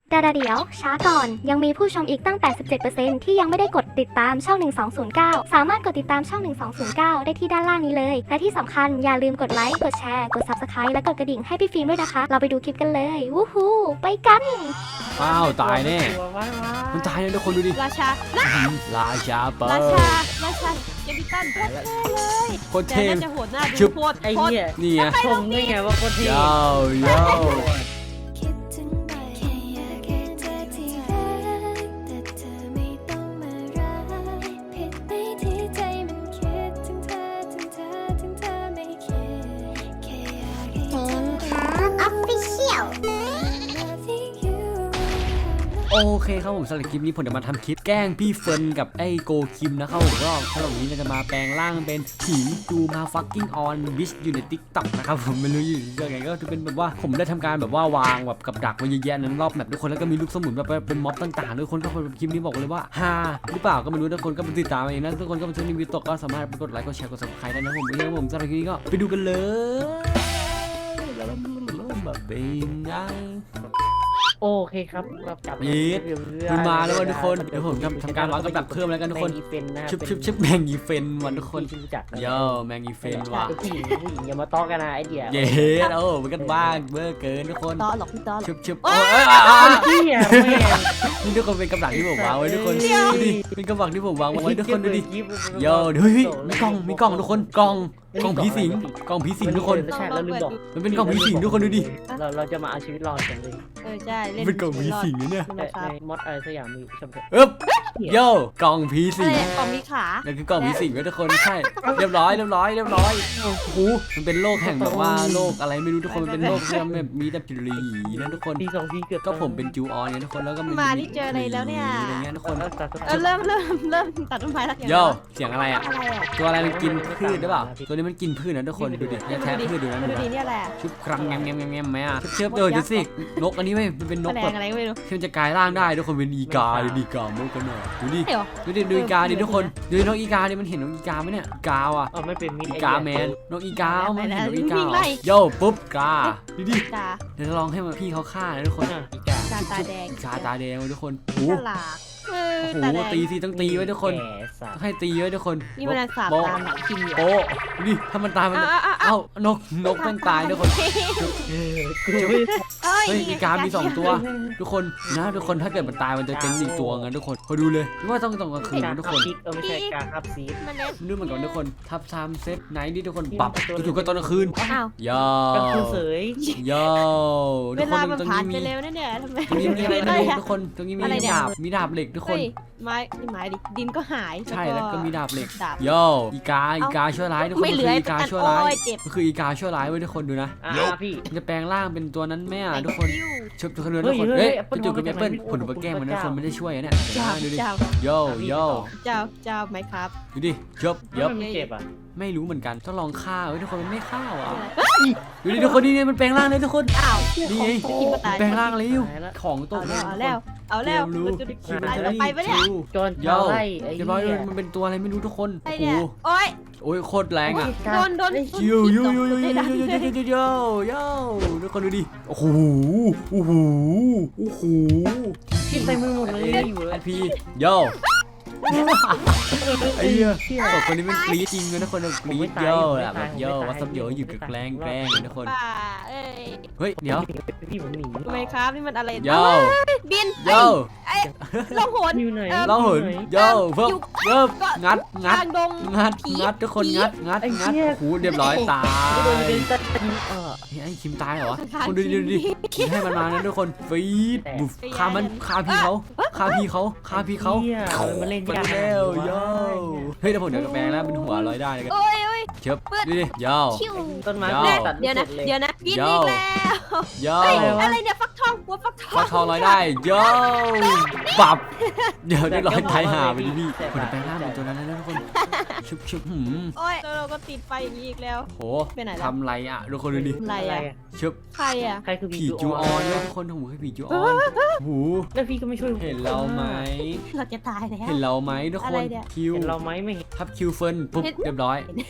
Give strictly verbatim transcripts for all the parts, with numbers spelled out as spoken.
แต่เดี๋ยวช้าก่อนยังมีผู้ชมอีกตั้ง แปดสิบเจ็ดเปอร์เซ็นต์ ที่ยังไม่ได้กดติดตามช่อง หนึ่งสองศูนย์เก้า สามารถกดติดตามช่อง หนึ่งสองศูนย์เก้า ได้ที่ด้านล่างนี้เลย และที่สำคัญอย่าลืมกดไลค์ กดแชร์ กด ซับสไครบ์ และกดกระดิ่งให้พี่ฟิล์มด้วยนะคะ เราไปดูคลิปกันเลย วู้ฮู้ไปกันอ้าวตายแน่มันตายเลยทุกคนดูดิราชาราชาเปิราดชา ราชาเกมิตันโคตรเท่เลยโคตรแต่เท่น่าจะโหดหน้าชึดูบโคตรไอ้โคตรเหี้ยนี่ไงชมได้ไงว่าโคตรเท่โย่โย่คิดถึงหน่อยแค่อยากให้เธอที่รักแต่เธอไม่ต้องมารักผิดไปที่ใจมันคิดถึงเธอถึงเธอถึงเธอไม่คิดแค่อยากให้เธอครับออฟฟิเชียลโอเคครับผมสำหรับคลิปนี้ผมจะมาทำคลิปแกล้งพี่เฟิร์นกับไอ้โกคิมนะครับผมก็สำหรับวันนี้เราจะมาแปลงร่างเป็นผีดูมาฟักกิ้งออนวิชอยู่ในติ๊กต็อกนะครับผมไม่รู้อยู่ยังไงก็จะเป็นแบบว่าผมได้ทำการแบบว่าวางแบบกับดักไว้เยอะแยะนั้นรอบแมปทุกคนแล้วก็มีลูกสมุนแบบเป็นม็อบต่างๆทุกคนก็คลิปนี้บอกเลยว่าฮาหรือเปล่าก็ไม่รู้ทุกคนก็ไปติดตามเองนะทุกคนก็ไปซื้อรีวิวตกก็สามารถไปกดไลค์กดแชร์กดซับสไครต์ได้นะผมเรื่องผมสำหรับคลิปนี้ก็ไปดูกันเลยแล้วแบบเป็นไงโอเคครับรับจับยีดคุณมาแล้วทุกคนเดี๋ยวผมทำทำการวางกับดักเพิ่มแล้วกันทุกคนแมงอีเฟนนะชิบชิบชิบแมงอีเฟนวันทุกคนที่รู้จักโย่แมงอีเฟนว่ะผู้หญิงผู้หญิงอย่ามาต้อกันนะไอเดียเย้โอ้มันกันบ้างเบอร์เกินทุกคนต่อหรอกพี่ต่อหรอกชิบชิบโอ้ยเอ้ยอ่ะอ่ะอ่ะเหี้ยแม่งนี่ทุกคนเป็นกับดักที่ผมวางไว้ทุกคนดูดิเป็นกับดักที่ผมวางไว้ทุกคนดูดิโย่เฮ้ยมีกล่องมีกล่องทุกคนกล่องกล่องผีสิงกล่องผีสิงทุกคนใช่แล้วลืมบอกมันเป็นกล่องผีสิงทุกคนดูดิเราเราจะมาเอาชีวิตรอดกันเลยเออใช่เล่นเป็นกล่องผีสิงเนี่ยใช่ไหมในครับมอดอะไรสักอย่างมีชมเถอะเอ๊บโย่กล่องผีอะสิงไรกล่องมีขานั่นคือกล่องผีสิงไว้ทุกคนใช่เรียบร้อยเรียบร้อยเรียบร้อยโอ้โหมันเป็นโลกแห่งแบบว่าโลกอะไรไม่รู้ทุกคนมันเป็นโลกที่แบบมีแต่ผีนะทุกคนทีสองทีเกือบก็ผมเป็นจูออนไงทุกคนแล้วก็มานี่เจออะไรแล้วเนี่ยอะไรเงี้ยทุกคนเออเริ่มเริ่มเริ่มตัดต้นไม้แล้วโย่เสียงอะไรอ่ะอะไรอ่ะตัวอะไรมันกินพืชหรือเปล่าตัวนี้มันกินพืชนะทุกคนดูดิแท้พืชดูนะดูดูดินะเนี่ยแหละชุบครังแงมแงมแงมแงมไหมอ่ะเชื่อเออดูสินกอันนี้ไม่มันเป็นนแมกลแบงบอะไรก็ไม่รู้ที่มันจะกลายร่างได้ทุกคนเป็นอีกาดูดิกามกกันหน่อยดูดิเดี๋ยวดูดิดูอีกาดิทุกคนดูนกอีกาดิมันเห็นนกอีกาไหมเนี่ยกาวอ่ะอ๋อไม่เป็นมิดอีกาแมนนกอีกาเอามันเห็นนกอีกาเหรอโย่ปุ๊บกาดูดิตาเดี๋ยวจะลองให้มันพี่เขาฆ่านะทุกคนอีกาตาตาแดงอีกาตาแดงทุกคนโอ้ฉโหลาดเออโอ้โหตาแดงตีสิต้องตีไว้ทุกคนแก่สัตต้องว์ให้ตีไว้ทุกคนนี่มันสาบโป๊ะตามหนังกินอยู่โป๊ะนี่ถ้ามันตายมันอ้าวอ้าวเอ้านกนกมันตายทุกคนเออกูเอ้ยเฮ้ยนี่ไงอีกามีสองตัว ทุกคนนะทุกคนถ้าเกิดมันตายมันจะเป็นอีกตัวงั้นทุกคนพอดูเลยว่าต้องต้องกลางคืนการนะทุกทัคบนซิกเออไม่ใช่การทับซีดมันเล็กนึกมันก่อนทุกคนทับซามเซฟไนท์นี่ทุกคนปรับจู่ๆก็ตอนกลางคืนอ้าวย่อก็คือเสยย่อเวทุกคลาน มันตรงผ่านนี้ไปมีเร็วนะเนี่ยทำไมตรงนี้มีอะไรไม่ไม่ได้รู้อะทุกคนตรงนี้มีอะไรเนี่ยดาบมีดาบเหล็กทุกคนเฮ้ยไม้นี่ไม้ดิดินก็หายใช่แล้วก็มีดาบเหล็กดาบโย่อีกาอีกาชั่วร้ายทุกคนไม่มันเหลืคือออีกาแต่ชั่วร้ายโอ้ยเจ็บมันคืออีกาชั่วร้ายไว้ทุกคนดูนะอ่าพี่มันจะแปลงร่างเป็นตัวนั้นแม่อะทุกคนปิ้วชุบทุกคนดูเฮ้ทุกยคนเฮ้เฮ้ยยแอปเปิ้ลจู่ๆกับแอปเปิ้ลมองผลอุปแกล้งมันนะพระเจ้าคนไม่ได้ช่วยอะเนี่ยเจ้าดูดิเจ้าโย่โย่เจ้าเจ้าไหมครับดูดิจบยบมันไม่เจ็บอ่ะไม่รู้เหมือนกันต้องลองฆ่าเว้ยทุกคนมันไม่ฆ่าอ่ะดูดิทุกคนนี่เนี่ยมันแปลงร่างเลยทุกคนอ้าวนี่ไงกินมาตายแปลงร่างเลยของตเอากแล้ว เอาแล้ว เอาแล้วรู้มันจะคิวตายมันไปปะเนี่ยจนโย่ไล่ไอ้เรียบร้อยเหี้ยมันเป็นตัวอะไรไม่รู้ทุกคนไอ้โอ้เนี่ยโหโอ๊ยโอ้ยโคตรแรงอ่ะโดนโดนยูยูยูยูยูยูยูยูยูยูยูทุกคนดูดิโอ้โหโอ้โหโอ้โหกินไปมือหมดเลยอยู่เลไอย พีโย่ไอ้เหี้ยสองคนนี้มันกรี๊ดจริงเลยทุกคนกรี๊ดโย่อะแบบโย่วัสดุโย่อยู่กับแกล้งแกล้งทุกคนป่าเอ้ยเฮ้ยเดี๋ยวพี่ผมหนีทำไมครับนี่มันอะไรโย่บินโย่ลงหนอยู่ไหนร้องหุ่นโย่เพิ่มเพิ่มงัดงัดทางดงงัดงัดทุกคนงัดงัดงัดโอ้โหเรียบร้อยตายโดนเป็นตัดเออไอ้คิมตายเหรอคนดูดิดูดิให้มันมานะทุกคนฟีดบุฟฆ่ามันฆ่าพี่เขาฆ่าพี่เขาฆ่าพี่เขาเหี้ยมันเล่นไปยากแล้วโย่เฮ้ยแต่ผมเดี๋ยวกระแปลงแล้วเป็นหัวลอยได้เลยกันโอ้ยโอ้ยเชิบดูดิโย่คิวต้นไม้ยาวตัดเดี๋ยวนะ เดี๋ยวนะบินยาวอีกแล้วโย่เฮ้ยอะไรเนี่ยฟักทองกลัวฟักทองฟักทองลอยได้โย่ปับเดี๋ยวได้ลอยไทยหาไปดิพี่คนแปลงร่างเป็นตัวนั้นนะทุกคนชุบชุบหืมโอ้ยเราก็ติดไฟอย่างนี้อีกแล้วโหไปไหนแล้วทำไรอ่ะทุกคนดูดิอะไรอะไรอ่ะอะชุบใครอ่ะใครคือผีผีจูออนด้วยทุกคนโอ้โหคือผีจูออนหูแล้วพี่ก็ไม่ช่วยเห็นเราไหมเราจะตายแล้วเห็นเราไหมทุกอะคไรนเนี่ยคิวเห็นเราไหมไม่เห็นทับคิวเฟิร์นปุ๊บเห็นเรียบร้อย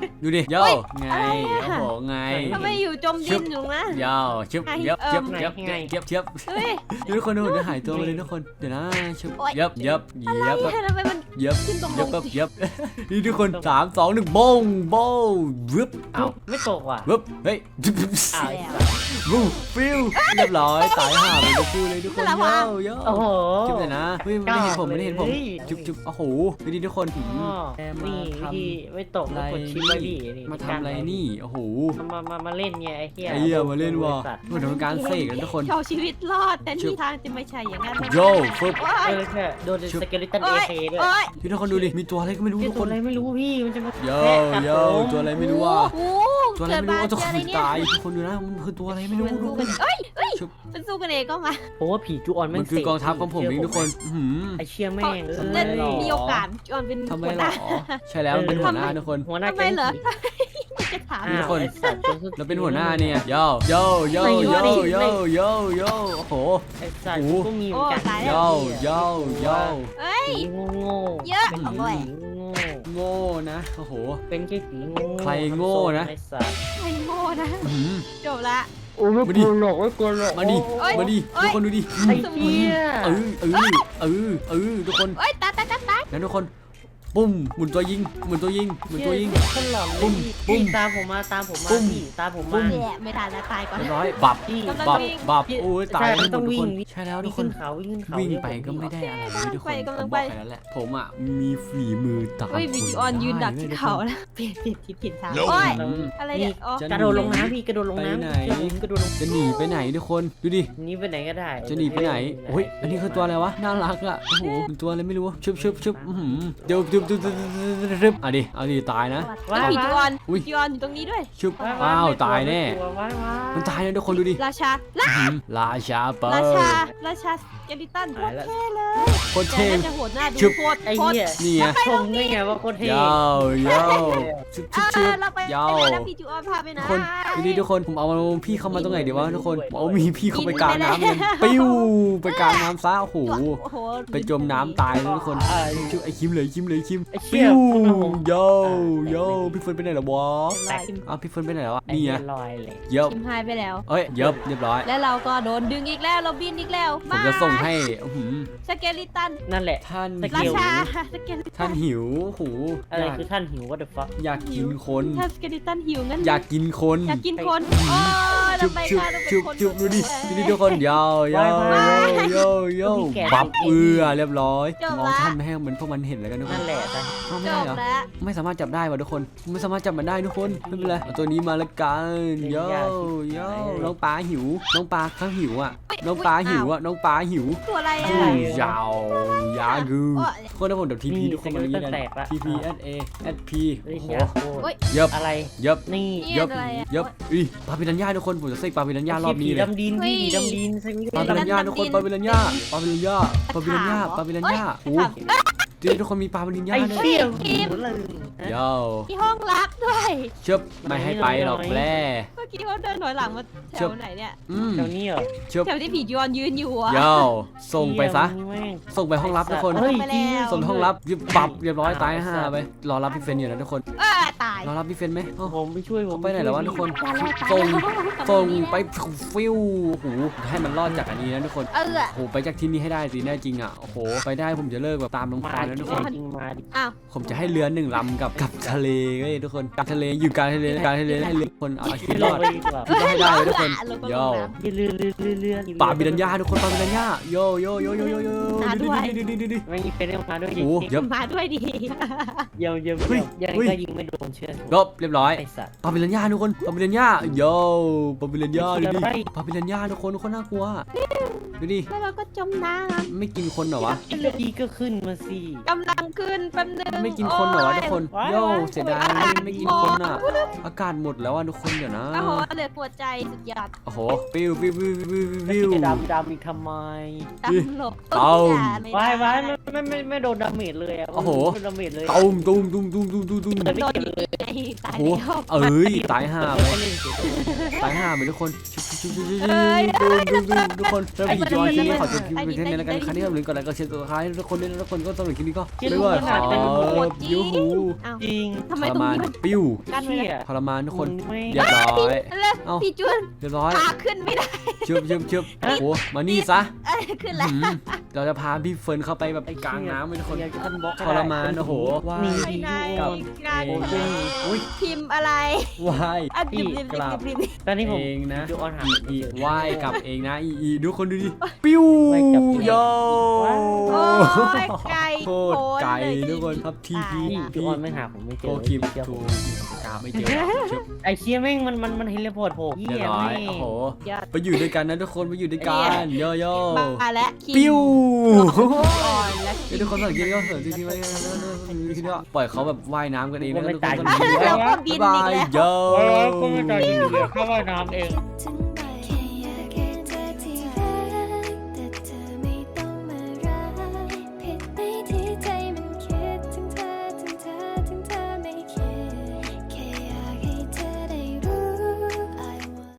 ดูดิโย่ไงโอ้โหไงทำไมอยู่จมดินอยู่นะโย่ชึบเย็บเย็บเย็บเย็บเย็บเย็บเฮ้ยทุกคนดูเดี๋ยวหายตัวไปเลยทุกคนเดี๋ยวนะชึบเย็บเย็บเย็บทำไมมันเย็บขึ้นตรงลเย็บงแบบเย็บนี่ทุกคนสามสองหนึ่งโบงโบงวึบเอ้าไม่ตกว่ะวึบเฮ้ยอ้าววูฟิวเรียบร้อยตายห่าเลยก็พูดเลยทุกคนโย่โย่โอ้โหจุ๊บเลยนะเฮ้ยไม่ได้เห็นผมไม่ได้เห็นผมจุ๊บจุ๊บโอ้โหดูดิทุกคนอ๋อแอมนี่มาวิทำธีไม่ตกอะไรแล้วกดชิปไว้ดินี่มาทำอะไรนี่โอ้โหมามามาเล่นไงไอ้เหี้ยไอ้เหี้ยมาเล่นว่ะบริษัทเหมือนทำการเสกกันทุกคนเอาชีวิตรอดแต่นี่ทางจะไม่ใช่อย่างนั้นนะโยฟึบโอ้เอย อแค่โดนสเกลิตันเอโอ้ยเคด้วยโอ้ยพี่ทุกคนดูดิมีตัวอะไรก็ไม่รู้ที่ทุกตัควอะนไรไม่รู้พี่มันจะมาโยแทะกัดโยผมตัวอะไรไม่รู้ว่าโอ้ตัวอะไรไม่รู้ว่าเกิตัวดขมานเจออะไรเนี่ยตายทุกคนดูนะมันคือตัวอะไรไม่รู้มันทุสู้กคกันนเอ้ยเอ้ยชุบมันสู้กันเองก็มาผมว่าผีจูออนแม่มังนคือกองทัพของผมเองทุกคนอื้อหือไอเชี่ยแม่งเอนั่นอมีโอกาสจอนเป็นทำไมหัวหหรน้าอใช่แล้วมันเป็นหัวหน้าทุกคนหัวหน้าทำไมเหรอแก๊งผีจะถามทุกคนอ้าวไอ้สัตว์จสุดเราเป็นหัวหน้าเนี่ยโยโยโยโยโยโยโยโอ้โหไอ้สัตว์โอ้ก็มีเหมือนกันโยโยโยเอ้ยผีโง่โง่เยอะเป็นเอาผีบ่อยโง่โง่นะโอ้โหเป็นแค่ผีโง่ใครโง่นะไอ้สัตว์ไม่โง่นะอื้อหือจบละโอ้ไม่มาดิกลัวหรอกไม่กลัวหรอกมาดิเอ้ยมาดิเอ้ทุยกคนดูดิไอ้เหี้ยเออเออเออเออทุกคนเอ้ยตายตายตายตายงั้นทุกคนปุ้มหมุนตัวยิงหมุนตัวยิงหมุนตัวยิงขึ้นหลอนเลยปุ้มพี่ปุ้มตามผมมาตามผมมาปุ้มพี่ตามผมปุ้มามแย่ไม่ทันแล้วตายก่อนเรียบร้อยบับพี่กำลังบับวิ่งบับโอ้ยตายใช่ทั้งหมต้ดองทุกวิ่คงนใช่แล้วทุวิ่กงคขึ้นนเขาวิ่งขึ้นเขาวิ่งเดี๋ยวไปผมก็ไม่ได้อะไรเลยทุกคนไปกำลัผมงบไปอกไปแล้วแหละผมอ่ะมีฝีมือตามเฮ้ยวิดีออนยืนดักที่เขาแล้วเปลี่ยนผิดผิดผิดทางโอ้ยอะไรเนี่ยอ๋อจะกระโดดลงน้ำพี่กระโดดลงน้ำไปไหนกระโดดลงจะหนีไปไหนทุกคนดูดิหนีไปไหนก็ได้จะหนีไปไหนโอ้ยอันนี้คือตัวอะไรวะน่ารักอ่ะโอ้โหเป็นตัวอะไรไม่รู้ชึบชึบชึบอื้อหือเดี๋ยวเดี๋ยวเดี๋ยวเดี๋ยวเดี๋ยวเดี๋ยวเอาดิเอาดิตายนะแล้ววิดีออนอุ๊ยวิดีออนอยู่ตรงนี้ด้วยชึบว้ว้าวไม่กลัตายแน่ไม่กลัวว้ายว้ายมันตายนะทุกคนดูดิราชาอื้อหือราชาเปิราชาดราชาสเกลิตันโคตายตรแล้วเท่เลยโคตรแต่เท่น่าจะโหดหน้าดูชึบโคตรไอ้โคตรเหี้ยนี่ไงชมได้ไงว่าโคตรเท่ยาวยาวชึบชึบเอชึอบ เราไปยาวไปไหนนะพี่จูออนพาไปไหนทุกคนดูดิทุกคนผมเอาพี่เข้ามาตรงไหนดีวะทุกคนผมเอามีพี่เข้าไปกลางน้ำกันปิ้วไปกลางน้ำซะโอ้โหโอ้โหไปจมน้ำตายเลยทุกคนไอ้ชื่อไอ้คิมเลยคิมเลยคิมไอ้เชี่ยปิ้วคุณเอาผมโยโยพี่เฟิร์นไปไหนแล้ววะแตกอ้าวพี่เฟิร์นไปไหนแล้ววะไอ้นี่เหี้ไงยลอยเลยเย็บคิมหายไปแล้วเอ้ยเย็บเรียบร้อยแล้วเราก็โดนดึงอีกแล้วเราบินอีกแล้วผมจะส่งให้อื้อหือสเกลิตันนั่นแหละท่านสเกราลชาสเกลิตัท่านหิวโอ้โหอะไรอยากคือท่านหิว what the fuck อยากกินคนถ้าสเกลิตันหิวงั้นอยากกินคนอยากกินคนโอ้ยชุเราบไปชุบกันเราเป็นชุบคนชุบดูดิดูดิทุกคนยาวยาวโยโยบับเอือเรียบร้อยมองท่านไม่ให้เหมือนพวกมันเห็นแล้วกันทุกคนั่นนแหละแต่เอาไม่จได้บเหรอแล้วไม่สามารถจับได้ว่ะทุกคนไม่สามารถจับมันได้ทุกคนไม่เป็นไรเอาตัวนี้มาละกันโยโยน้องปลาหิว น้องปลาข้างหิวอ่ะน้องปลาหิวอ่ะน้องปลาหิวตัวอะไรอือ่ะมยาวยากูคนถ้าผมเดี๋ยวทีพีทุกคนมาอย่างนี้นะทีพีเอสเอเอสพีเฮ้ยโอ้โหอยากโคตรเย็บอะไรเย็บนี่เย็บเย็บอีปลาปิรันย่าทุกคนผมจะเสกปลาปิรันย่ารอบนี้ผีเลยดำดินพี่ผีดำดินใช่ไหมปลาปิรันย่าทุกคนปลาปิรันย่าปลาปิรันย่าปลาปิรันย่าปลาปิรันย่าโอ้จริงทุกคนมีปลาปิรันย่าไอ้ด้วยเชี่ยหิวเลยโยที่ห้องลับด้วยเชิบไม่ให้ไปหรอกแร่เมื่อกี้เขาเดินถอยหลังมาแถวไหนเนี่ยอืมแถวนี้เหรอเชิบแถวที่ผียอนยืนอยู่อ่ะโยส่งไปซะเชี่ยมึงแม่งส่งไปห้องลับทุกคนเฮ้ยจริงส่งห้องลับยิบปับเรียบร้อยตายห่าไปรอรับพี่เฟนอยู่นะทุกคนเออตายรอรับพี่เฟนไหมเอ้าผมไปช่วยผมไปไหนแล้ววะทุกคนตายแล้วตายส่งแล้วส่งไปฟิวโอ้โหให้มันรอดจากอันนี้นะทุกคนเออโอ้โหไปจากที่นี่ให้ได้สิแน่จริงอ่ะโอ้โหไปได้ผมจะเลิกแบบตามลงมาคานแล้วทุกคนจริงมาดิอ้าวผมจะให้เรือหนึ่งลำกับกับทะเลเว้ยทุกคนกับทะเลอยู่กลางทะเลกลางทะเลให้เรือคนเอาชีวิตรอดไปดีกว่าต้องให้ได้เลยทุกคนลงก็ลงโยน้ำเลื่อนเลื่อนเลื่อนเลื่อนป่าบิดัญญาทุกคนป่าบิดัญญาโยโยโยโยโยโยหาด้วยดิดิดิดิดิไม่มีเป็นเรื่องมาด้วยโอ้โหเย็บมาด้วยดิเยี่ยมเยี่ยมเฮ้ยยังเฮ้ยก็ยิงไม่โดนเชื่อลบเรียบร้อยไอ้สัตว์ป่าบิดัญญาทุกคนป่าบิดัญญาโยป่าบิดัญญาดูดิไปป่าบิดัญญาทุกคนทุกคนน่ากลัวดูดิแล้วเราก็จมน้ไม่กินคนเหรอวะอีกทีก็ขึ้นมาสิำกำลังขึ้นแป๊บนึงไม่กินคนเหรอวะทุกคนโอ้ยโยเสียดายไม่กินคนอ่ะอากาศหมดแล้วอ่ะทุกคนเดี๋ยวนะโอ้โหเหลือหัวใจสุดยอดโอ้โหปิ้วปิ้วปิ้วปิ้วปิ้วจะดำดำอีกทำไมตำหลบเอ้าวายวายไม่ไม่ไม่โดนดาเมจเลยอ่ะโอ้โหไม่โดนดาเมจเลยตุ้มตุ้มตุ้มตุ้มตุ้มตุ้มตุ้มแต่ไม่โดนเก็บอีกเลยไงตายโอ้โหแล้วเอ้ยตายห่าไปเล่นเฉยตายห่าไปทุกคนชุบชุบทุกคนเริ่มผีจูออนคลิปนี้ขอจบคลิปเป็นเท่านี้แล้วกันครั้งนี้เราลืมกดไลค์กดแชร์ตัวท้ายทุกคนด้วยนะทุกคนก็สำหรับคลิปนี้ก็ไม่ว่าขอยูหูอ้าวจริงทำทไมรตรงมานนี้มันปิ้วกันไว้เชี่ยล่ะทรมานทุกคนไม่เรียบร้อยแล้วเอ้าพี่จุนเรียบร้อยพาขึ้นไม่ได้ชึบชึบชึบโอ้โหมานี่ซะเอ้ยขึ้นแล้วอืมเราจะพาพี่เฟิร์นเข้าไปแบบกลางน้ำเลยทุกคนอยากจะขึ้นบล็อกทรมานโอ้โหว้ามียไปไหนกับกลางเอทะเลงอุ้ยพิมพ์อะไรวายอ่ะพี่ดิบดิบกราบดิบดิบตอนนี้ผมเองนะจูออนหาอีไม่อีเจอว่ายกลับเองนะอีอีดูคนดูดิปิ้วว่ายกลับเองโยโอ้ยไก่โคตรไก่โทุกคนครับทีพีพี่จูออนไม่หาผมไม่เจโกอคิมเจอผทูมกาไม่เจอชึบไอเชี่ยแม่งมันมันมันเฮลิพอร์ตผมเรียบร้อยโอ้โหยอดไปอยู่ด้วยกันนะทุกคนไปอยู่ด้วยกันโยโย่มาแล้วคิมปิ้วอ่อนแล้วเดี๋ยวทุกคนสังเกตก็เหินจริงๆไว้กันทีนี้ปล่อยเขาแบบว่ายน้ำกันเองนะทุกคนแล้วก็บินบ๊ายอีบาก ยแล้วโยเออก็ไม่ตายจริงๆเข้าว่ายน้ำเองถึง